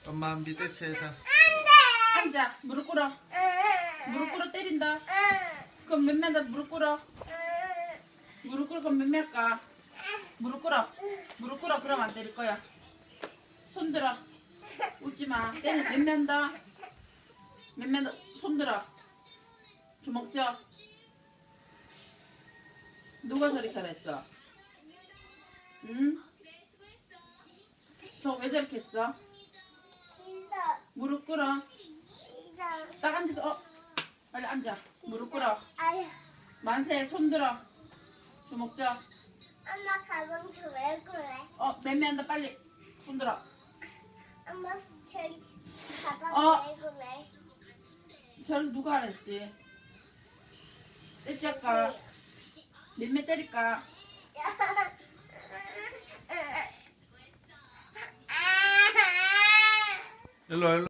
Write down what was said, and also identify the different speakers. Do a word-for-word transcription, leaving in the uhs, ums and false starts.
Speaker 1: 엄마 밑에 채에서.
Speaker 2: 앉아. 무릎 꿇어. 무릎 꿇어 때린다. 그럼 몇 매다 무릎 꿇어. 무릎 꿇어 그럼 몇 매일까? 무릎 꿇어. 무릎 꿇어. 그럼 안 때릴 거야. 손 들어. 웃지 마. 때는 몇 매한다. 몇 매다. 손 들어. 주먹 쥐어. 누가 저리 잘했어? 응? 저 왜 저렇게 했어?
Speaker 3: 싫어.
Speaker 2: 무릎 꿇어.
Speaker 3: 싫어.
Speaker 2: 딱 앉아서 어 빨리 앉아. 무릎 꿇어.
Speaker 3: 아유,
Speaker 2: 만세 손 들어. 주먹 쥐어.
Speaker 3: 엄마 가방 저왜 그래?
Speaker 2: 어 매매한다 빨리. 손 들어.
Speaker 3: 엄마 저기 가방
Speaker 2: 어.
Speaker 3: 왜 그래?
Speaker 2: 저를 누가 알았지? 때지 할까? 몇매 때릴까?
Speaker 1: 일로 와, 일로.